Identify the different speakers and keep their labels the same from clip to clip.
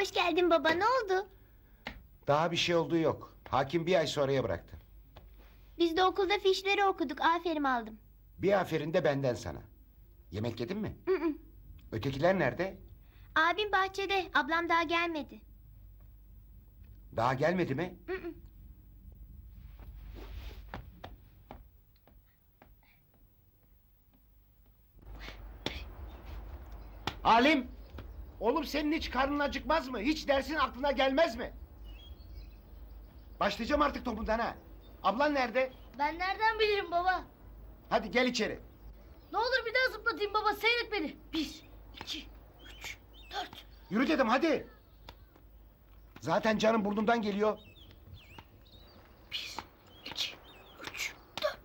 Speaker 1: Hoş geldin baba, ne oldu?
Speaker 2: Daha bir şey olduğu yok. Hakim bir ay sonraya bıraktı.
Speaker 1: Biz de okulda fişleri okuduk, aferin aldım.
Speaker 2: Bir aferin de benden sana. Yemek yedin mi?
Speaker 1: Hı hı.
Speaker 2: Ötekiler nerede?
Speaker 1: Abim bahçede, ablam daha gelmedi.
Speaker 2: Daha gelmedi mi?
Speaker 1: Hı hı.
Speaker 2: Halim! Oğlum senin hiç karnın acıkmaz mı? Hiç dersin aklına gelmez mi? Başlayacağım artık topundan ha. Ablan nerede?
Speaker 3: Ben nereden bilirim baba?
Speaker 2: Hadi gel içeri.
Speaker 3: Ne olur bir daha zıplatayım baba, seyret beni. 1, 2, 3, 4.
Speaker 2: Yürü dedim hadi. Zaten canım burnumdan geliyor.
Speaker 3: 1, 2, 3.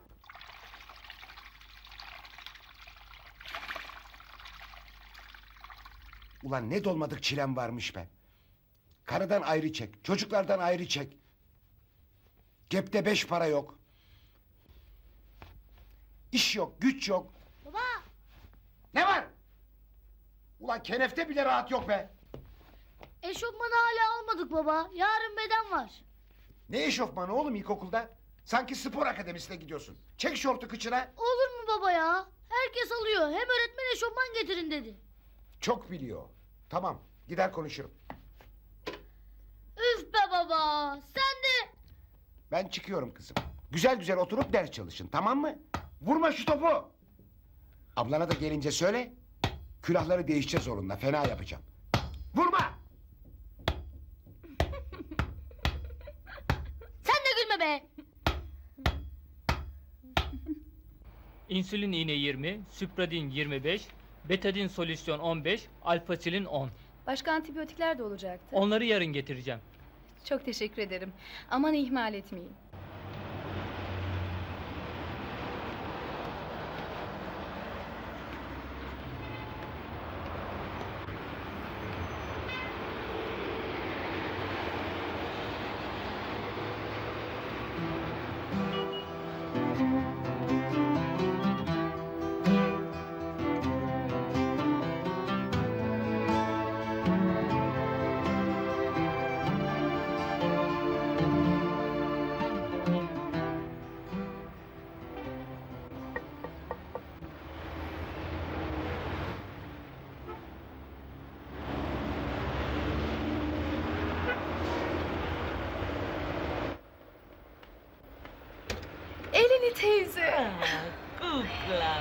Speaker 2: Ulan ne dolmadık çilem varmış be. Karıdan ayrı çek, çocuklardan ayrı çek. Cepte 5 para yok. İş yok, güç yok.
Speaker 3: Baba,
Speaker 2: Ne var? Ulan kenefte bile rahat yok be.
Speaker 3: eşofmanı hala almadık baba. Yarın beden var.
Speaker 2: Ne eşofmanı oğlum ilkokulda? Sanki spor akademisine gidiyorsun. Çek şortu kıçına.
Speaker 3: Olur mu baba ya? Herkes alıyor. Hem öğretmen eşofman getirin dedi.
Speaker 2: Çok biliyor. Tamam, gider konuşurum.
Speaker 3: Üf be baba. Sen de.
Speaker 2: Ben çıkıyorum kızım. Güzel güzel oturup ders çalışın, tamam mı? Vurma şu topu. Ablana da gelince söyle. Külahları değişeceğiz onunla, fena yapacağım. Vurma!
Speaker 3: Sen de gülme be.
Speaker 4: İnsülin iğne 20, Süpradin 25, Betadin solüsyon 15, Alfasilin 10.
Speaker 5: Başka antibiyotikler de olacaktı.
Speaker 4: Onları yarın getireceğim.
Speaker 5: Çok teşekkür ederim. Aman ihmal etmeyin. Elini teyze.
Speaker 6: Kuklam.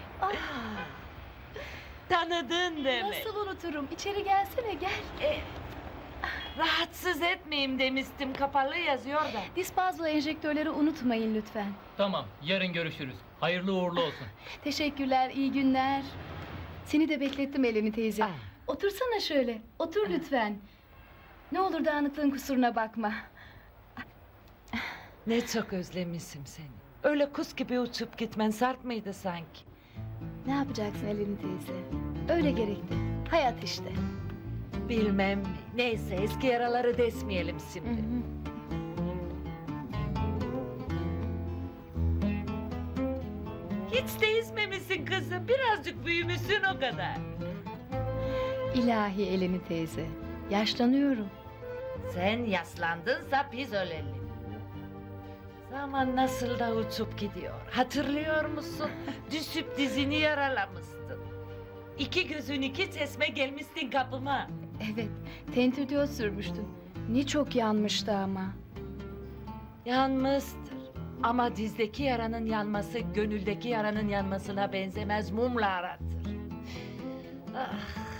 Speaker 6: Tanıdın demek.
Speaker 5: Nasıl unuturum? İçeri gelsene gel.
Speaker 6: Rahatsız etmeyeyim demiştim, kapalı yazıyor da.
Speaker 5: Dispazlo enjektörleri unutmayın lütfen.
Speaker 4: Tamam, yarın görüşürüz. Hayırlı uğurlu olsun.
Speaker 5: Teşekkürler, iyi günler. Seni de beklettim Eleni teyze.
Speaker 6: Ah.
Speaker 5: Otursana şöyle. Otur lütfen. Ne olur dağınıklığın kusuruna bakma.
Speaker 6: Ne çok özlemişim seni. Öyle kuş gibi uçup gitmen sarp mıydı sanki?
Speaker 5: Ne yapacaksın Eleni teyze? Öyle gerekti. Hayat işte.
Speaker 6: Bilmem mi. Neyse, eski yaraları desmeyelim
Speaker 5: Hı
Speaker 6: şimdi.
Speaker 5: hı.
Speaker 6: Hiç değişmemişsin kızım. Birazcık büyümüşsün o kadar.
Speaker 5: İlahi Eleni teyze. Yaşlanıyorum.
Speaker 6: Sen yaslandınsa biz ölelim. Zaman nasıl da uçup gidiyor. Hatırlıyor musun? Düşüp dizini yaralamıştın. 2 gözün 2 çeşme gelmiştin kapıma.
Speaker 5: Evet, tentürdiyot sürmüştün. Ne çok yanmıştı ama.
Speaker 6: Yanmıştır. Ama dizdeki yaranın yanması gönüldeki yaranın yanmasına benzemez, mumla aratır. Ah,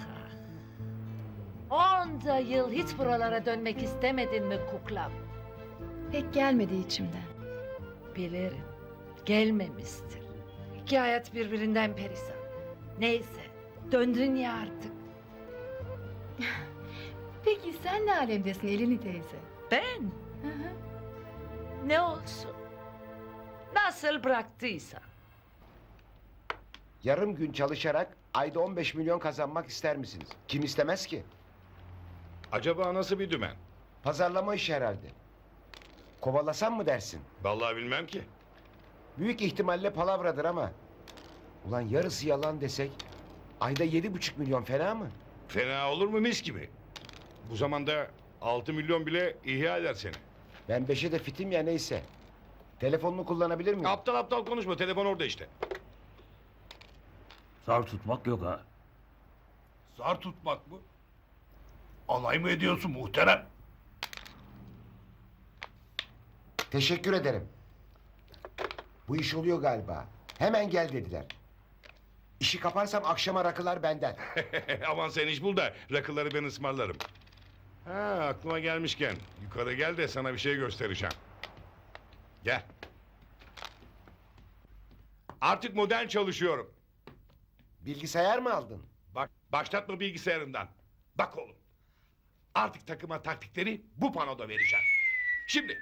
Speaker 6: ah. Onca yıl hiç buralara dönmek istemedin mi kuklam?
Speaker 5: Pek gelmedi içimden.
Speaker 6: Bilirim. Gelmemiştir. İki hayat birbirinden perişan. Neyse. Döndün ya artık.
Speaker 5: Peki sen ne alemdesin Eleni teyze?
Speaker 6: Ben?
Speaker 5: Hı hı.
Speaker 6: Ne olsun? Nasıl bıraktıysan.
Speaker 2: Yarım gün çalışarak ayda 15 milyon kazanmak ister misiniz? Kim istemez ki?
Speaker 7: Acaba nasıl bir dümen?
Speaker 2: Pazarlama işi herhalde. Kovalasam mı dersin?
Speaker 7: Vallahi bilmem ki.
Speaker 2: Büyük ihtimalle palavradır ama. Ulan yarısı yalan desek ayda 7,5 milyon fena mı?
Speaker 7: Fena olur mu mis gibi? Bu zamanda 6 milyon bile ihya eder seni.
Speaker 2: Ben 5'e de fitim ya neyse. Telefonunu kullanabilir miyim?
Speaker 7: Aptal aptal konuşma, telefon orada işte.
Speaker 8: Zar tutmak yok ha.
Speaker 9: Zar tutmak mı? Alay mı ediyorsun muhterem?
Speaker 2: Teşekkür ederim. Bu iş oluyor galiba. Hemen gel dediler. İşi kaparsam akşama rakılar benden.
Speaker 7: Aman sen iş bul da rakıları ben ısmarlarım. Ha, aklıma gelmişken yukarı gel de sana bir şey göstereceğim. Gel. Artık modern çalışıyorum.
Speaker 2: Bilgisayar mı aldın?
Speaker 7: Bak, başlatma bilgisayarından. Bak oğlum. Artık takıma taktikleri bu panoda vereceğim. Şimdi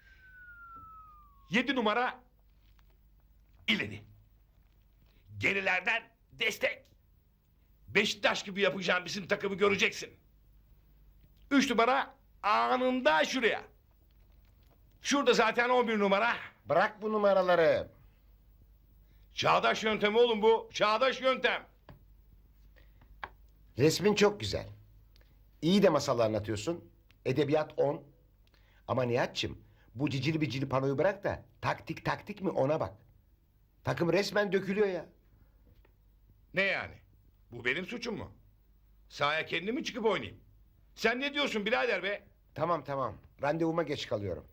Speaker 7: 7 numara ileri. Gerilerden destek. Beşiktaş gibi yapacağım bizim takımı göreceksin. 3 numara anında şuraya. Şurada zaten 11 numara.
Speaker 2: Bırak bu numaraları.
Speaker 7: Çağdaş yöntem oğlum bu. Çağdaş yöntem.
Speaker 2: Resmin çok güzel. İyi de masal anlatıyorsun. Edebiyat 10. Ama Nihat'cığım bu cicili bicili panoyu bırak da taktik mi ona bak. Takım resmen dökülüyor ya.
Speaker 7: Ne yani? Bu benim suçum mu? Sahaya kendim mi çıkıp oynayayım? Sen ne diyorsun birader be?
Speaker 2: Tamam. Randevuma geç kalıyorum.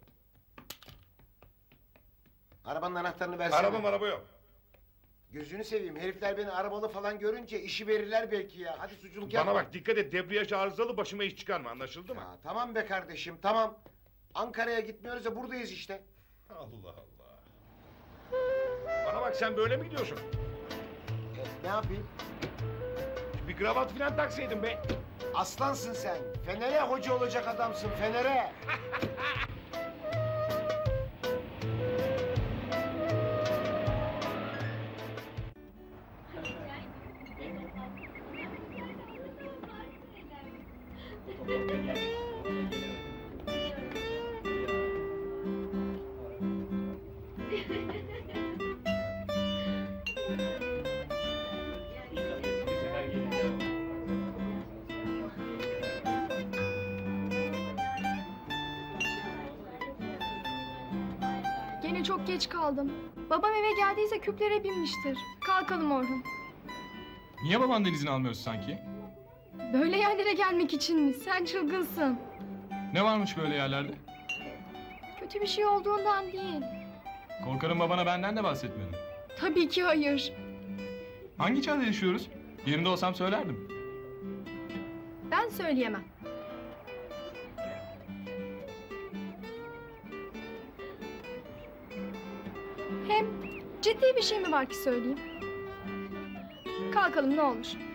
Speaker 2: Arabanın anahtarını versene.
Speaker 7: Araba yok.
Speaker 2: Gözünü seveyim. Herifler beni arabalı falan görünce işi verirler belki ya. Hadi suçluluk yapma.
Speaker 7: Bana bak dikkat et, debriyaj arızalı, başıma iş çıkarma, anlaşıldı mı?
Speaker 2: Ya, tamam be kardeşim tamam. Ankara'ya gitmiyoruz da buradayız işte.
Speaker 7: Allah Allah. Bana bak sen böyle mi gidiyorsun?
Speaker 2: Ne yapayım?
Speaker 7: Bir kravat filan taksaydın be.
Speaker 2: Aslansın sen. Fener'e hoca olacak adamsın Fener'e.
Speaker 10: Gene çok geç kaldım. Babam eve geldiyse küplere binmiştir. Kalkalım Orhun.
Speaker 11: Niye babandan izin almıyorsun sanki?
Speaker 10: Böyle yerlere gelmek için mi? Sen çılgınsın.
Speaker 11: Ne varmış böyle yerlerde?
Speaker 10: Kötü bir şey olduğundan değil.
Speaker 11: Korkarım babana benden de bahsetmedin.
Speaker 10: Tabii ki hayır.
Speaker 11: Hangi çağda yaşıyoruz? Yerinde olsam söylerdim.
Speaker 10: Ben söyleyemem. Hem ciddi bir şey mi var ki söyleyeyim? Kalkalım ne olur.